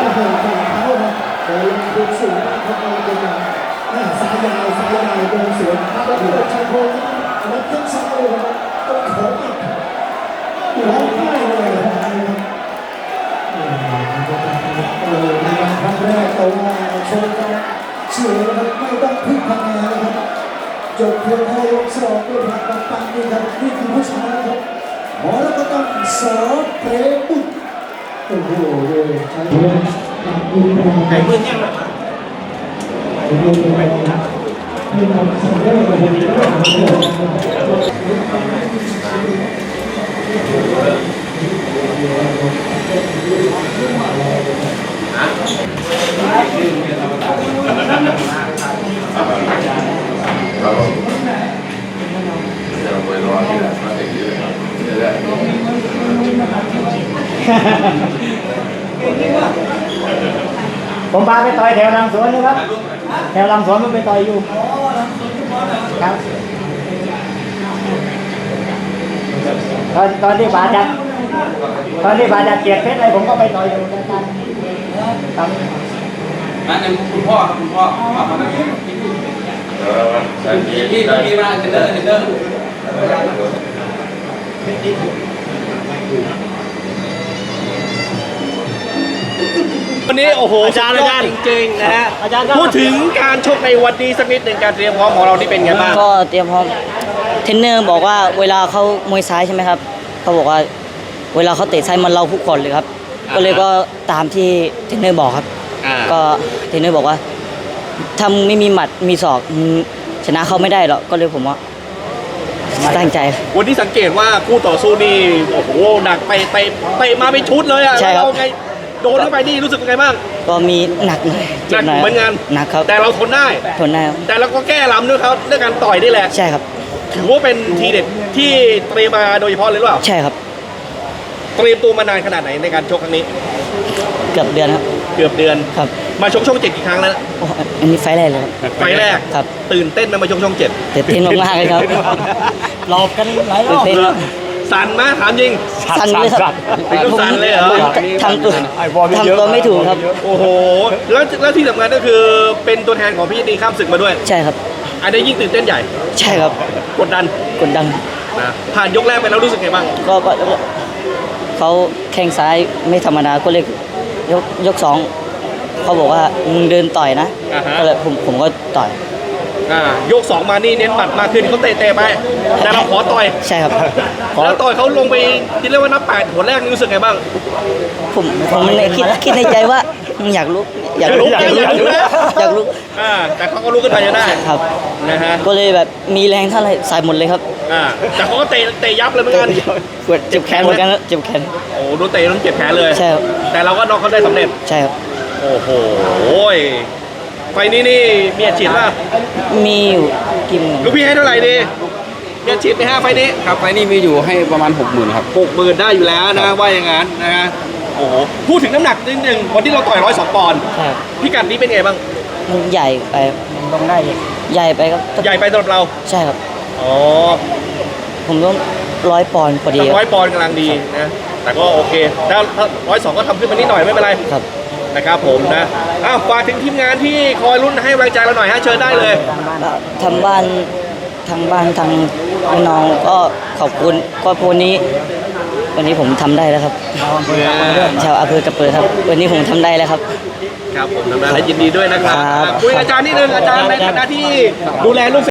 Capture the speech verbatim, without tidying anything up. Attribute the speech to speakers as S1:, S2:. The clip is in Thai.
S1: อ้โหฝ่าเท้าครับโดนลงสูงมากครับเราเป็นอย่างหน้าสายยาวสายยาวโดนสวนแล้วที่เป็นชายโครงแล้วขึ้นซ้ายเลยครับต้องขออีกร้องไห้เลยครับโอ้ในครั้งแรกเราโชว์กันเฉื่อยนะครับไม่ต้องพึ่งคะแนนนะครับจบเพียงแค่ยกสองด้วยพลังปังนี่ครับนี่คือผู้ชนะครับหมอแล้วก็ต้องสอเปรบุตรโอ้โหใช้
S2: ไก่มือเนี่ย
S3: ผมพาไปต่อยแถวลังสวนนะครับแถวลังสวนมันไปต่อยอยู่ครับตอนตอนที่บาดจัดตอนที่บาดจัดเกียรติเพชรอะไรผมก็ไปต่อยอยู่กันครับ
S2: นั่นเป็นคุณพ่อครับคุณพ่อมามาตั้งแต่พี่พี่พี่มาเทนเนอร์เทนเนอร์วันนี้โอ้โหอาจารย์อาจารย์จริงๆนะฮะพูดถึงการชกในวันนี้สักนิดหนึ่งการเตรียมพร้อมของเราที่เป็นไงบ้าง
S4: ก็เตรียมพร้อมเทรนเนอร์บอกว่าเวลาเขามวยซ้ายใช่ไหมครับเขาบอกว่าเวลาเขาเตะซ้ายมันเราทุกคนเลยครับก็เลยก็ตามที่เทรนเนอร์บอกครับก็เทรนเนอร์บอกว่าถ้าไม่มีหมัดมีศอกชนะเขาไม่ได้หรอกก็เลยผมว่าตั้งใจ
S2: วันนี้สังเกตว่าคู่ต่อสู้นี่โอ้โหหนักไปไปไปมาเป็นชุดเลยอ่ะ
S4: ใช่ครับ
S2: โดนเข้าไปนี่รู้สึกยังไงบ้าง
S4: ก็มีหนักหน่อย
S2: หนักเหมือนกัน
S4: หนักครับ
S2: แต่เราทนได้
S4: ทนได้ครับ
S2: แต่เราก็แก้ล้ำด้วยเขาด้วยการต่อยนี่แหละ
S4: ใช่ครับ
S2: ถือว่าเป็นทีเด็ดที่เตรียมมาโดยเฉพาะเลยหรือเปล่า
S4: ใช่ครับ
S2: เตรียมตัวมานานขนาดไหนในการชกครั้งนี้
S4: เกือบเดือนครับ
S2: เกือบเดือน
S4: ครับ
S2: มาชกช่องเจ็ดกี่ครั้งแล้ว
S4: อันนี้ไฟแรกเลยครับ
S2: ไฟแรก
S4: ครับ
S2: ตื่นเต้นไหมมาชกช่องเจ็ด
S4: ตื่นเต้นมากๆเลยครับ
S3: หลอกกันหลายรอบ
S2: สั่นไหมถามจริง
S4: สั่นเลยครับ
S2: สั่นเลยเหรอ
S4: ทำตัวทำตัวไม่ถูกครับ
S2: โอ้โหแล้วแล้วที่สำคัญก็คือเป็นตัวแทนของพี่ดีข้ามศึกมาด้วย
S4: ใช่ครับ
S2: อันนี้ยิ่งตื่นเต้นใหญ่
S4: ใช่ครับ
S2: กดดัน
S4: กดดัน
S2: นะผ่านยกแรกไปแล้วรู้สึกไงบ้าง
S4: ก็ก็เขาแข้งซ้ายไม่ธรรมดาก็เลยยกยกสองเขาบอกว่ามึงเดินต่อยนะก็เลยผมผมก็ต่อย
S2: อ่ายกสองมานี่เน้นหมัดมากขึ้นเขาเตะๆไปแต่เราขอต่อย
S4: ใช่ครับ
S2: แล้วต่อยเขาลงไปที่เรียกว่านับแปดหัวแรกนี่รู้สึกไงบ้าง
S4: ผมผมคิดคิดในใจว่าอยากลุก
S2: อยากลุกอยากลุก
S4: อยากลุก
S2: อ่าแต่เขาก็ลุกขึ้นไปจะได้
S4: ครับ
S2: นะฮะ
S4: ก็เลยแบบมีแรงเท่าไหร่ใส่หมดเลยครับ
S2: อ่าแต่เขาก็เตะเตะยับเลยเหมือนกัน
S4: เจ็บแขนเหมือนกันเจ็บแขน
S2: โอ้โดนเตะต้องเจ็บแขนเลย
S4: ใช่ครับ
S2: แต่เราก็น็อกเขาได้สำเร็จ
S4: ใช่ครับ
S2: โอ้โหไฟนี้นี่มีอาชีพป่ะ
S4: มีอยู่กิน
S2: ลูกพี่ให้เท่าไหร่ดีมีอาชีพในห้าไฟนี้
S5: ครับไฟนี้มีอยู่ให้ประมาณหกหมื่นครับ
S2: หกหมื่นได้อยู่แล้วนะว่าอย่างนั้นนะฮะโอ้โหพูดถึงน้ำหนักนิดนึงวันที่เราต่อยร้อยสองปอนด์พิกัดนี้เป็นไงบ้าง
S4: มันใหญ่ไป
S3: ลงได้
S4: ใหญ่ไปครับ
S2: ใหญ่ไปสำหรับเรา
S4: ใช่ครับ
S2: อ๋อ
S4: ผมต้องร้อยปอนด์พอดี
S2: ร้อยปอนด์กำลังดีนะแต่ก็โอเคถ้าร้อยสองก็ทำขึ้นมานิดหน่อยไม่เป็นไร
S4: ครับ
S2: นะครับผมนะอ้าวฝากถึงทีมงานที่คอยรุ่นให้แรงใจเราหน่อยฮะเชิญได้เลย
S4: ทางบ้านทางบ้านทางพี่น้องก็ขอบคุณก็วันนี้วันนี้ผมทำได้แล้วครับชาวอำเภอกระเปิดครับวันนี้ผมทำได้แล้วครับ
S2: ครับผมทำได้และยินดีด้วยนะครับคุยอาจารย์นิดนึงอาจารย์ในฐานะที่ดูแลลูก